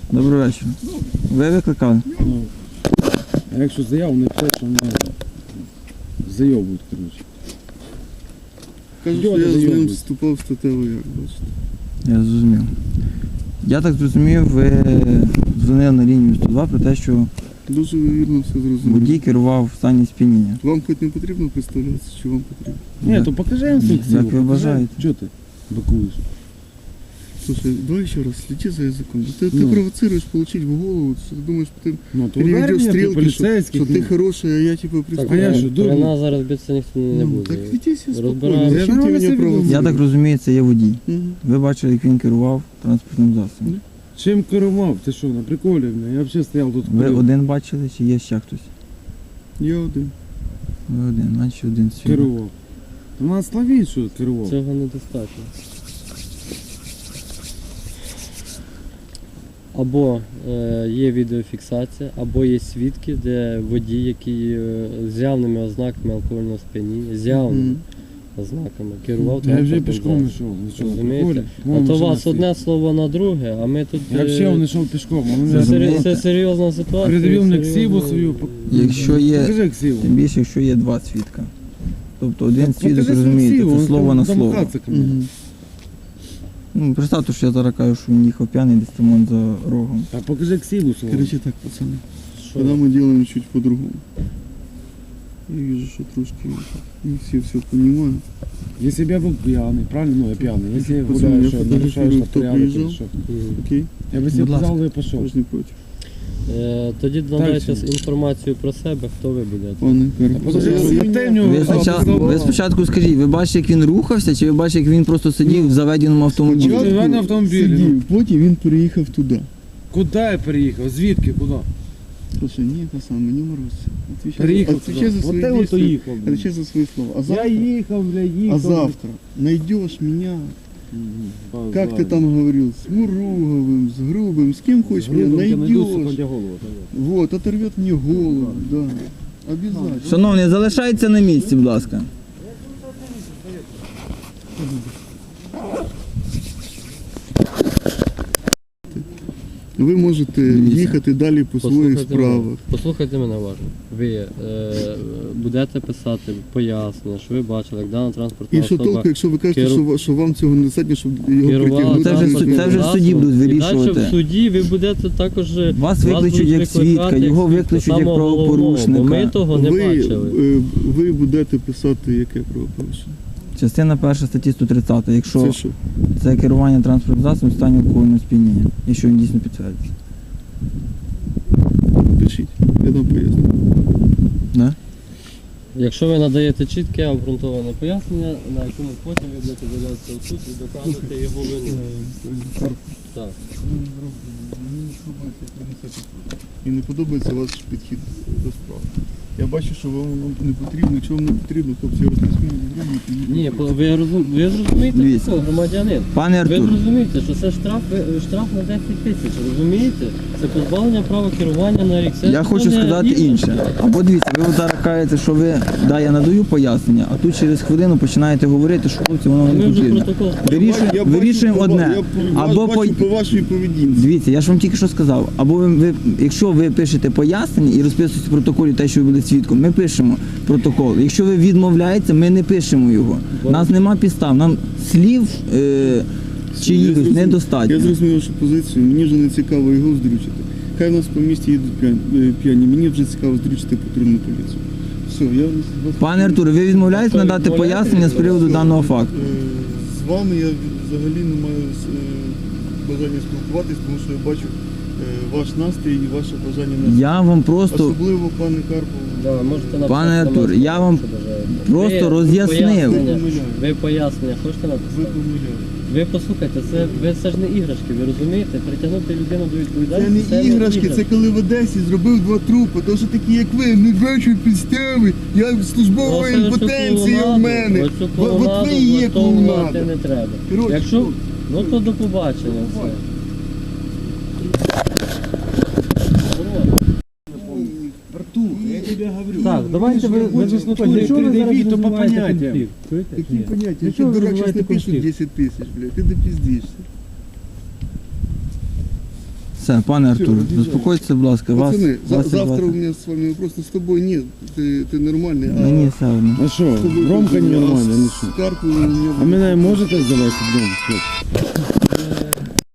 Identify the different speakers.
Speaker 1: Добрий вечір. Ви викликали?
Speaker 2: Ну, а якщо заяву не писати, то мене зайобують, коротше.
Speaker 3: Кажуть, що я з ним вступав в статеву, як бачите.
Speaker 1: Я зрозумів. Я так зрозумів, ви дзвонили на лінію 102 про те, що
Speaker 3: Дуже вірно все зрозумів.
Speaker 1: водій керував в стані сп'яніння.
Speaker 3: Вам хоч не потрібно представлятися, чи вам потрібно?
Speaker 2: Ні, то покажи інструкцію.
Speaker 1: Як ви бажаєте.
Speaker 2: Чого ти бакуєш?
Speaker 3: Слушай, давай еще раз, следи за языком. Ты
Speaker 2: Ну.
Speaker 3: провоцируешь получить в голову, что ты думаешь, ты
Speaker 2: Ну, то
Speaker 3: переведешь
Speaker 2: ударь мене,
Speaker 3: стрелки, что
Speaker 2: поліцейських.
Speaker 3: ты хороший, а я типа
Speaker 2: А я
Speaker 3: представляю.
Speaker 2: що,
Speaker 4: При
Speaker 2: дурний?
Speaker 4: нас зараз битися ніхто не
Speaker 3: Ну,
Speaker 4: буде.
Speaker 3: так веди себя спокойно,
Speaker 4: Розбираємося.
Speaker 3: зачем
Speaker 2: Я
Speaker 3: ты меня
Speaker 2: себе
Speaker 3: провоцируешь?
Speaker 1: Я так розумію, це є водій.
Speaker 3: Мгм.
Speaker 1: Ви бачили, як він керував транспортним засобом.
Speaker 2: Чим керував? Ти що, на приколі? Я взагалі стояв тут.
Speaker 1: Ви
Speaker 2: курив.
Speaker 1: один бачили, чи є ще хтось?
Speaker 3: Я один.
Speaker 1: Ви один, наче один свідок.
Speaker 2: Керував. Та нас славіть, що керував.
Speaker 4: Цього недостатньо. Або є відеофіксація, або є свідки, де водій, який з явними ознаками алкогольного сп'яніння, з явними
Speaker 3: Мгм.
Speaker 4: ознаками керував
Speaker 2: Я вже
Speaker 4: транспортним
Speaker 2: пішком
Speaker 4: засобом.
Speaker 2: йшов. Ви що, на
Speaker 4: Розумієте?
Speaker 2: приколі?
Speaker 4: А
Speaker 2: Вон
Speaker 4: то у
Speaker 2: машина
Speaker 4: вас
Speaker 2: стоїть.
Speaker 4: одне слово на друге, а ми тут...
Speaker 2: Я взагалі не йшов пішком. а
Speaker 4: Це,
Speaker 2: мене
Speaker 1: Розумієте?
Speaker 4: це серйозна ситуація.
Speaker 2: Придивив мені
Speaker 4: серйозна-
Speaker 2: ксиву свою.
Speaker 1: Якщо є,
Speaker 2: Покажи ксиву.
Speaker 1: тим більше, якщо є два свідка. Тобто один
Speaker 2: Так
Speaker 1: свідок,
Speaker 2: покажи свою
Speaker 1: розумієте,
Speaker 2: ксиву,
Speaker 1: це
Speaker 2: він
Speaker 1: слово
Speaker 2: там
Speaker 1: на слово.
Speaker 2: домахатися ко мені.
Speaker 3: Мгм.
Speaker 1: Ну, представте, що я зараз кажу, що він їхав п'яний десь там за рогом.
Speaker 2: Та покажи ксиву свою.
Speaker 3: Короче так, пацаны,
Speaker 4: Що?
Speaker 3: когда мы делаем чуть по-другому. Я вижу, что трошки не все понимают.
Speaker 2: Если бы я был пьяный, правильно? Ну, я пьяный. Если я
Speaker 3: Пацаны,
Speaker 2: гуляю,
Speaker 3: я
Speaker 2: что,
Speaker 3: фотографирую,
Speaker 2: нарушаешь на
Speaker 3: кто
Speaker 2: порядок или
Speaker 3: приезжал.
Speaker 2: что?
Speaker 4: Мгм.
Speaker 3: Окей?
Speaker 2: Я бы себе
Speaker 1: Будь ласка.
Speaker 2: сказал, и пошел.
Speaker 3: Я ж не против.
Speaker 4: Тоді надайте
Speaker 2: Дальше.
Speaker 4: інформацію про себе, хто ви будете.
Speaker 3: Ладно,
Speaker 2: Покажи,
Speaker 3: я-
Speaker 2: запитай в нього.
Speaker 1: Ви спочатку скажіть, ви бачите, як він рухався, чи ви бачите, як він просто сидів в заведеному автомобілі?
Speaker 2: Спочатку- Спочатку автомобілі,
Speaker 3: сидів, потім він переїхав туди.
Speaker 2: Куда я переехал? Звідки? Куда?
Speaker 3: Слушай, не это самое, не морозься.
Speaker 2: Переехал
Speaker 3: Отвечай за
Speaker 2: туда.
Speaker 3: свои
Speaker 2: Вот я вот
Speaker 3: действия.
Speaker 2: уехал. блин.
Speaker 3: Отвечай за свои слова. А
Speaker 2: Я
Speaker 3: завтра,
Speaker 2: ехал, бля, ехал.
Speaker 3: а завтра найдешь меня,
Speaker 2: Мгм.
Speaker 3: как ты там говорил, с Муруговым, с Грубым, с кем хочешь меня найдешь. Вот, оторвет мне голову, да. Обязательно.
Speaker 1: Шановний, залишайтеся на місці, будь ласка.
Speaker 3: Ви можете
Speaker 1: Дивіться.
Speaker 3: їхати далі по своїх справах.
Speaker 4: Послухайте мене уважно. Ви будете писати пояснення, що ви бачили, як дана транспортна
Speaker 3: І що
Speaker 4: особа
Speaker 3: толку, якщо ви кажете, що вам цього недостатньо, щоб його
Speaker 4: керувала
Speaker 3: притягнути?
Speaker 1: Це вже
Speaker 4: транспортним
Speaker 1: в суді будуть
Speaker 4: засобом. І
Speaker 1: вирішувати.
Speaker 4: далі в суді ви будете також...
Speaker 1: Вас викличуть
Speaker 4: будуть
Speaker 1: як
Speaker 4: викликати
Speaker 1: свідка, його
Speaker 4: свідка,
Speaker 1: викличуть як
Speaker 4: самого головного,
Speaker 1: правопорушника.
Speaker 4: Бо ми того не бачили.
Speaker 3: ви будете писати яке правопорушення?
Speaker 1: Частина 1 статті 130, якщо
Speaker 3: Це що?
Speaker 1: це керування транспортним засобом в стані алкогольного сп'яніння, якщо він дійсно підтвердиться.
Speaker 3: Пишіть, я дам пояснення.
Speaker 1: Да?
Speaker 4: Якщо ви надаєте чітке обґрунтоване пояснення, на якому потім ви будете з'являтися в суд і доказувати його вину. Так.
Speaker 3: І не подобається ваш підхід до справи. Я бачу, що вам воно не потрібно, чого вам не потрібно, хлопці, я розповім.
Speaker 4: Ні, ви зрозумієте,
Speaker 1: Дивіться.
Speaker 4: що громадянин.
Speaker 1: Пане
Speaker 4: Ви
Speaker 1: Артур,
Speaker 4: зрозумієте, що це штраф на 10 тисяч, розумієте? Це позбавлення права керування на рік. Це
Speaker 1: я хочу
Speaker 4: не
Speaker 1: сказати
Speaker 4: іграшки.
Speaker 1: інше. Або дивіться, ви зараз кажете, що ви, да, я надаю пояснення, а тут через хвилину починаєте говорити, що хлопці, воно
Speaker 4: Ми
Speaker 1: не
Speaker 4: вже
Speaker 1: потрібно.
Speaker 4: протокол.
Speaker 1: Вирішуємо одне. Або
Speaker 3: бачу по вашій поведінці.
Speaker 1: Дивіться, я ж вам тільки що сказав. Або якщо ви пишете пояснення і розписуєте в протоколі те, що ви були свідком, ми пишемо протокол. Якщо ви відмовляєтеся, ми не пишемо його. У нас нема підстав, нам слів чиїхось недостатньо.
Speaker 3: Я зрозумів вашу позицію, мені вже не цікаво його здрючити. Хай у нас по місті їдуть п'яні, мені вже цікаво здрючити патрульну поліцію. Все, я вас...
Speaker 1: Пане Артуре, ви відмовляєтесь надати пояснення з приводу даного факту?
Speaker 3: З вами я взагалі не маю бажання спілкуватись, тому що я бачу ваш настрій і ваше бажання на
Speaker 1: Я вам просто
Speaker 3: особливо, пане Карпове.
Speaker 4: Да, можете написати
Speaker 1: Пане
Speaker 4: на
Speaker 1: Артур,
Speaker 4: мене,
Speaker 1: я вам
Speaker 4: що бажаєте.
Speaker 1: просто
Speaker 4: Ви
Speaker 1: роз'яснив.
Speaker 4: пояснення- Ви пояснення хочете
Speaker 3: Ви
Speaker 4: написати?
Speaker 3: помиляєте.
Speaker 4: Ви послухайте, це ж не іграшки, ви розумієте? Притягнути людину до
Speaker 3: Це
Speaker 4: відповідальності.
Speaker 3: не іграшки, це коли в Одесі зробив 2 трупи, то що такі як ви, не бачу підстави, я службова
Speaker 4: Ну,
Speaker 3: імпотенція в мене.
Speaker 4: Оцю
Speaker 3: От ви
Speaker 4: клоунаду
Speaker 3: і є
Speaker 4: влаштовувати
Speaker 3: клоунада.
Speaker 4: не треба.
Speaker 3: Коротше,
Speaker 4: Якщо, ну то до побачення. все.
Speaker 2: Артур, я тебе говорю.
Speaker 4: Так, давайте ви
Speaker 2: хочеш на турі пред'явити, то по поняттям.
Speaker 3: Такі поняття,
Speaker 4: Для
Speaker 3: якщо
Speaker 4: чого ви
Speaker 3: дурак зараз
Speaker 4: розвиваєте
Speaker 3: напишуть
Speaker 4: конфлікт?
Speaker 3: 10 тисяч, блядь, ти допіздишся.
Speaker 1: Все, пане Артур,
Speaker 3: від'їжджай.
Speaker 1: заспокойтеся, будь ласка. Вас,
Speaker 3: Пацаны,
Speaker 1: вас і
Speaker 3: завтра
Speaker 1: звати.
Speaker 3: у меня с вами просто с тобой нет, ты нормальный,
Speaker 1: Мені все одно.
Speaker 2: А що, Ромка нормально, ну що?
Speaker 3: Карпу у меня...
Speaker 2: А мене можете завести вдома?